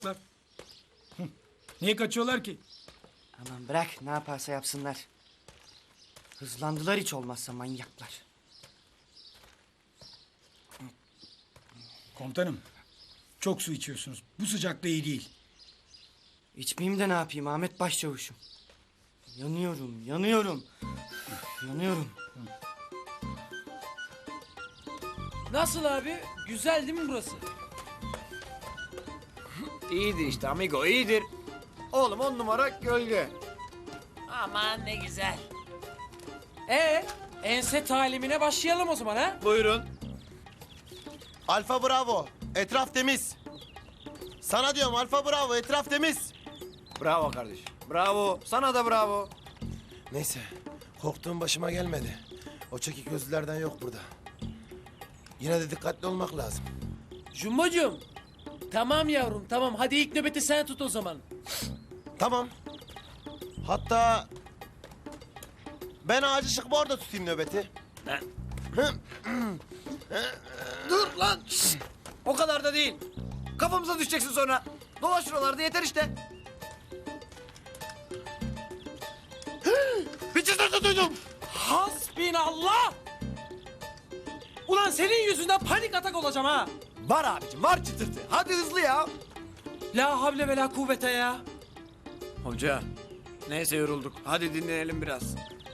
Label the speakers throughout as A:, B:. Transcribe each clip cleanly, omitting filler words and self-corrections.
A: Niye kaçıyorlar ki?
B: Aman bırak, ne yaparsa yapsınlar. Hızlandılar hiç olmazsa manyaklar.
A: Komutanım, çok su içiyorsunuz. Bu sıcakta iyi değil.
B: İçmeyeyim de ne yapayım Ahmet Başçavuş'um. Yanıyorum, yanıyorum. Yanıyorum.
C: Nasıl abi? Güzel değil mi burası?
D: İyidir işte amigo, iyidir. Oğlum 10 numara gölge.
C: Aman ne güzel. Ense talimine başlayalım o zaman ha?
D: Buyurun.
E: Alfa Bravo. Etraf temiz. Sana diyorum Alfa Bravo. Etraf temiz.
D: Bravo kardeş. Bravo. Sana da bravo.
E: Neyse. Korktuğum başıma gelmedi. O çekik gözlülerden yok burada. Yine de dikkatli olmak lazım.
C: Jumbocuğum. Tamam yavrum tamam. Hadi ilk nöbeti sen tut o zaman.
E: Tamam. Hatta ben ağacı çıkıp orada tutayım nöbeti.
D: Dur lan. Şşt! O kadar da değil. Kafamıza düşeceksin sonra. Dolaş şuralarda yeter işte. Bir çıtırtı duydum.
C: Hasbinallah! Ulan senin yüzünden panik atak olacağım ha.
D: Var abicim var çıtırtı. Hadi hızlı ya.
C: La havle ve la kuvvete ya.
D: Hoca. Neyse yorulduk. Hadi dinlenelim biraz.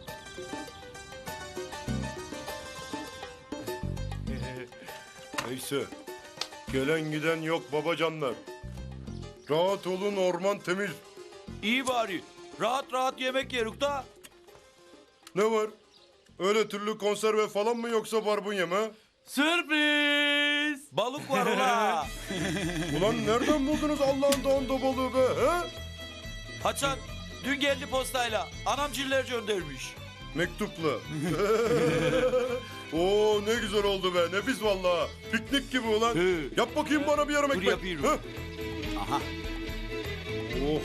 F: Neyse. Gelen giden yok babacanlar. Rahat olun, orman temiz.
G: İyi bari. Rahat rahat yemek yeruk da.
F: Ne var? Öyle türlü konserve falan mı yoksa barbunya mı?
G: Sürpriz. Balık var ula.
F: Ulan nereden buldunuz Allah'ın dağında balığı be? He?
G: Haçan dün geldi postayla. Anam ciller göndermiş.
F: Mektupla. Oo ne güzel oldu be. Nefis vallahi. Piknik gibi ulan.
G: He.
F: Yap bakayım bana bir yarım ekmek.
G: yapıyorum.
F: He?
G: Aha.
F: Oh.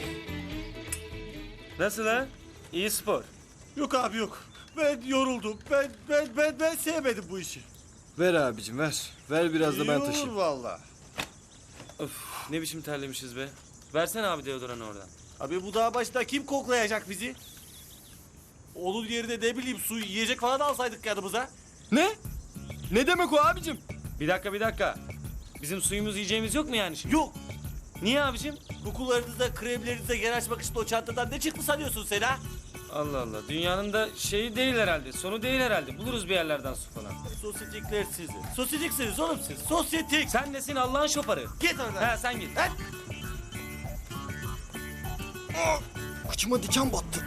H: Nasıl ha? İyi spor.
I: Yok abi yok. Ben yoruldum. Ben sevmedim bu işi.
H: Ver abicim ver. Ver biraz da ben
I: İyi
H: taşıyayım.
I: olur valla.
H: Of ne biçim terlemişiz be. Versene abi deodoranı oradan.
I: Abi bu dağ başında kim koklayacak bizi? Onun yerine ne bileyim su yiyecek falan alsaydık yanımıza.
H: Ne? Ne demek o abicim? Bir dakika. Bizim suyumuz yiyeceğimiz yok mu yani şimdi?
I: Yok.
H: Niye abicim?
I: Kokularınıza, kremlerinize yer açmak için o çantadan ne çıktı sanıyorsun sen ha?
H: Allah Allah. Dünyanın da şeyi değil herhalde. Sonu değil herhalde. Buluruz bir yerlerden su falan.
I: Sosyetikler sizi. Sosyetiksiniz oğlum siz. Sosyetik.
H: Sen nesin Allah'ın şoparı?
I: Git oradan.
H: He sen git.
E: Kıçıma diken battı.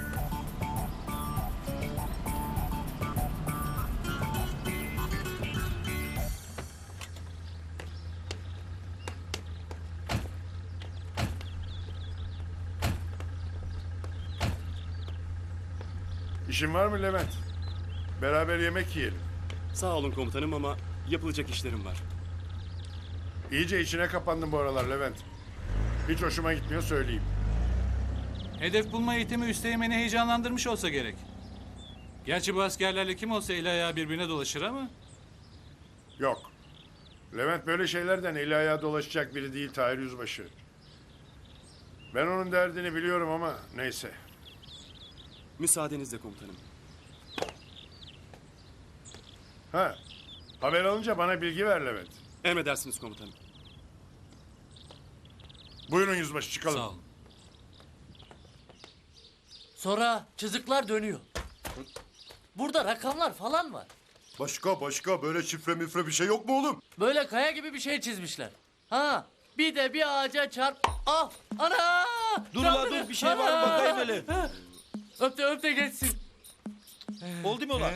F: İşin var mı Levent? Beraber yemek yiyelim.
J: Sağ olun komutanım ama yapılacak işlerim var.
F: İyice içine kapandın bu aralar Levent. Hiç hoşuma gitmiyor söyleyeyim.
J: Hedef bulma eğitimi üsteğmeni heyecanlandırmış olsa gerek. Gerçi bu askerlerle kim olsa el ayağı birbirine dolaşır ama...
F: Yok. Levent böyle şeylerden eli ayağı dolaşacak biri değil Tahir Yüzbaşı. Ben onun derdini biliyorum ama neyse.
J: Müsaadenizle komutanım.
F: Ha, haber alınca bana bilgi ver Levent.
J: Emredersiniz komutanım.
F: Buyurun Yüzbaşı çıkalım.
J: Sağ olun.
C: Sonra çocuklar dönüyor. Burada rakamlar falan var.
F: Başka böyle şifre mifre bir şey yok mu oğlum?
C: Böyle kaya gibi bir şey çizmişler. Ha bir de bir ağaca çarp. Ah ana!
G: Dur la dur bir şey var mı bakayım hele.
C: Öp de geçsin.
G: Oldu mu ulan?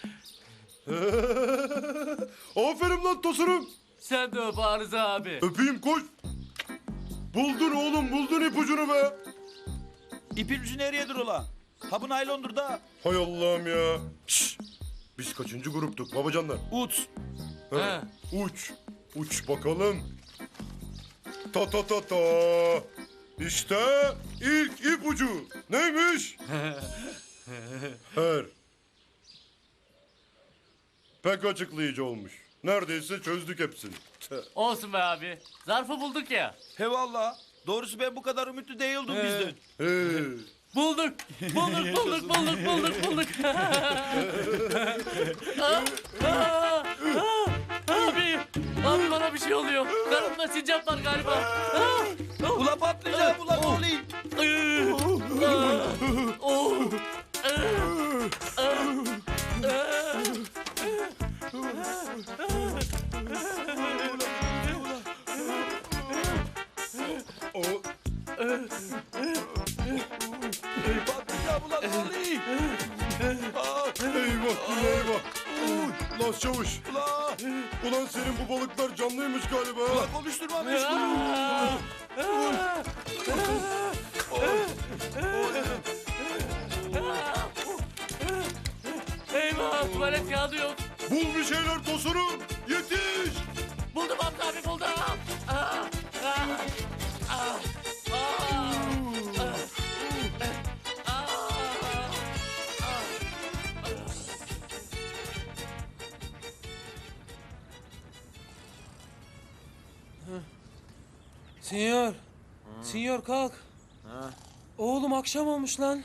F: Aferin lan tosunum.
C: Sen de öp Arıza abi.
F: Öpeyim koş. Buldun oğlum buldun ipucunu be.
G: İpin ucu nereyedir ula? Ha bu naylondur da.
F: Hay Allah'ım ya. Şşş. Biz kaçıncı gruptuk babacanlar?
G: Uç.
F: He. Uç. Uç bakalım. Ta. İşte ilk ipucu. Neymiş? Her. Pek açıklayıcı olmuş. Neredeyse çözdük hepsini.
C: Olsun be abi. Zarfı bulduk ya.
G: He valla. Doğrusu ben bu kadar ümitli değildim bizden.
C: Bulduk. Bulduk. Abi bana bir şey oluyor. Karnımda sincap var galiba.
G: Ula patlayacağım ula ne olayım? Patlayacağım ula ne olayım?
F: Eyvah. Lan çavuş.
G: Ula,
F: Ulan senin bu balıklar canlıymış galiba.
G: ula konuşturma beni şunu.
C: Eyvah tuvalet kağıdı yok.
F: Bul bir şeyler Tosunum. Yetiş.
C: Buldum Hamza abi buldum.
K: Sinyor. Sinyor kalk. Oğlum akşam olmuş lan.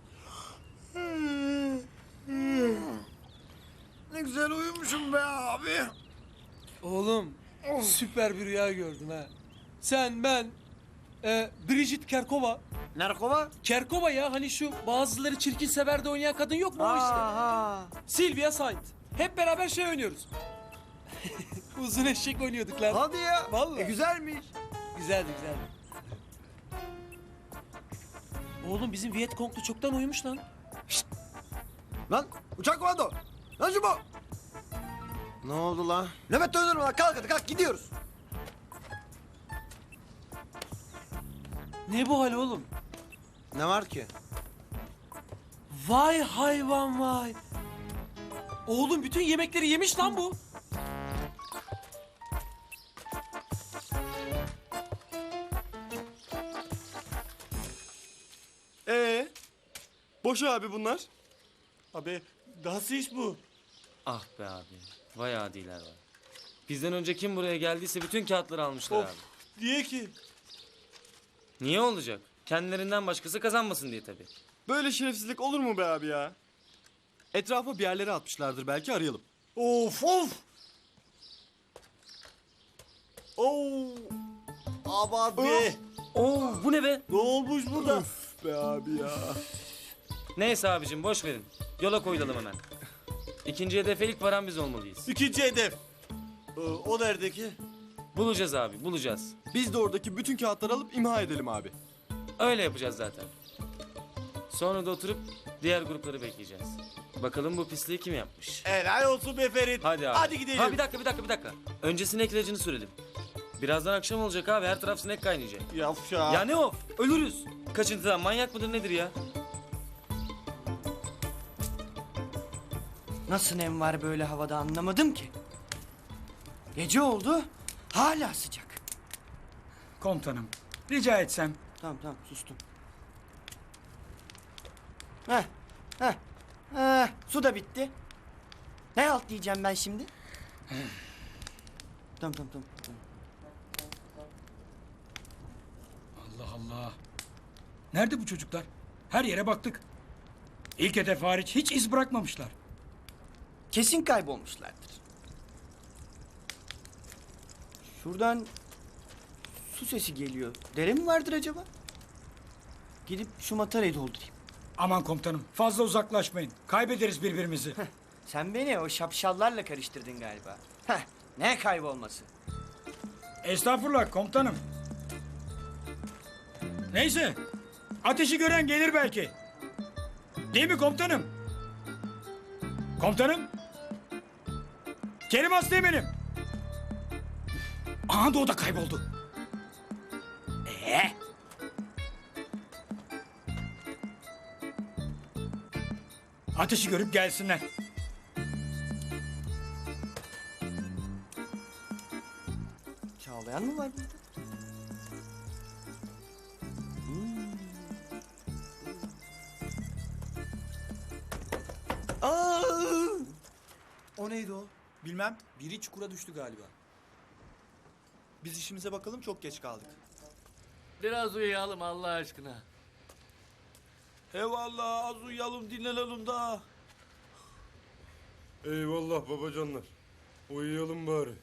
D: Ne güzel uyumuşum be abi.
K: Oğlum süper bir rüya gördüm ha. Sen, ben, Bridget Kerkova.
D: Narkova?
K: Kerkova ya hani şu bazıları çirkin sever de oynayan kadın yok mu o işte.
D: Aha.
K: Sylvia Saint. Hep beraber şey oynuyoruz. Uzun eşek oynuyorduk lan.
D: Hadi ya.
K: Vallahi.
D: Güzelmiş.
K: Güzeldi. Oğlum bizim Vietcong'lu çoktan uyumuş lan.
D: Lan uçak komando. Lan şu bu.
E: Ne oldu la?
D: Levent dönür lan kalk hadi kalk gidiyoruz.
K: Ne bu hal oğlum?
E: Ne var ki?
K: Vay hayvan vay. Oğlum bütün yemekleri yemiş lan bu.
H: Boş abi bunlar.
I: Abi nasıl iş bu?
H: Ah be abi. Vay adiler var. Bizden önce kim buraya geldiyse bütün kağıtları almışlar
I: Of.
H: abi.
I: Niye ki?
H: Niye olacak? Kendilerinden başkası kazanmasın diye tabii.
L: Böyle şerefsizlik olur mu be abi ya? Etrafa bir yerlere atmışlardır belki arayalım.
I: Of. Abi.
H: Oo bu ne be?
I: Ne olmuş burada?
L: Be abi ya.
H: Neyse abicim boş verin. Yola koyulalım hemen. İkinci hedefe ilk varan biz olmalıyız.
I: İkinci hedef. O neredeki?
H: Bulacağız abi bulacağız.
L: Biz de oradaki bütün kağıtları alıp imha edelim abi.
H: Öyle yapacağız zaten. Sonra da oturup diğer grupları bekleyeceğiz. Bakalım bu pisliği kim yapmış?
I: Helal olsun be Ferit.
H: Hadi abi.
I: Hadi gidelim.
H: Ha bir dakika. Önce sinek ilacını sürelim. Birazdan akşam olacak abi her taraf sinek kaynayacak.
I: Yavşak.
H: Ya ne of? Ölürüz. Kaçıntıdan manyak mıdır nedir ya?
B: Nasıl nem var böyle havada anlamadım ki. Gece oldu, hala sıcak.
A: Komutanım, rica etsem.
B: Tamam sustum. Su da bitti. Ne alt diyeceğim ben şimdi? Tamam.
A: Allah Allah. Nerede bu çocuklar? Her yere baktık. İlk hedef hariç hiç iz bırakmamışlar.
B: Kesin kaybolmuşlardır. Şuradan su sesi geliyor. Dere mi vardır acaba? Gidip şu matarayı doldurayım.
A: Aman komutanım, fazla uzaklaşmayın. Kaybederiz birbirimizi.
B: Sen beni o şapşallarla karıştırdın galiba. Ne kaybolması?
A: Estağfurullah komutanım. Neyse, ateşi gören gelir belki. Değil mi komutanım? Komutanım? Kerim Asteğmen'im. Aha da o da kayboldu. Ateşi görüp gelsinler.
B: Çağlayan mı var burada?
L: O neydi o? Bilmem. Biri çukura düştü galiba. Biz işimize bakalım çok geç kaldık.
C: Biraz uyuyalım Allah aşkına.
G: Eyvallah az uyuyalım dinlenelim daha.
F: Eyvallah babacanlar. Uyuyalım bari.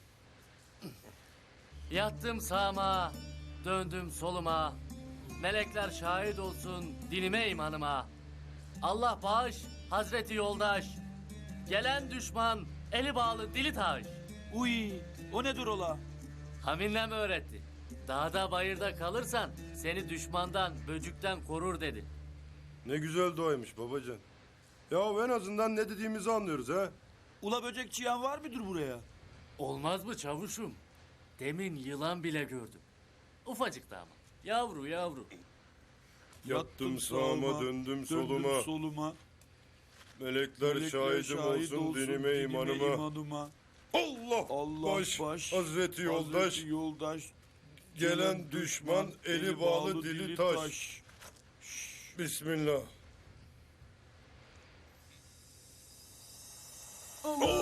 C: Yattım sağıma, döndüm soluma. Melekler şahit olsun dinime imanıma. Allah bağış, Hazreti yoldaş. Gelen düşman, eli bağlı dili taş.
G: Uy o nedir ola?
C: Haminlem öğretti. Dağda bayırda kalırsan seni düşmandan, böcükten korur dedi.
F: Ne güzel duaymış babacan. Ya en azından ne dediğimizi anlıyoruz ha.
G: Ula böcek çiyan var mıdır buraya?
C: Olmaz mı çavuşum? Demin yılan bile gördüm. Ufacık da ama. Yavru yavru.
F: Yattım sağıma döndüm soluma. Melekler şahidim olsun dinime imanıma. Allah baş, Hazreti yoldaş. Gelen düşman eli bağlı dili taş. Bismillah. Allah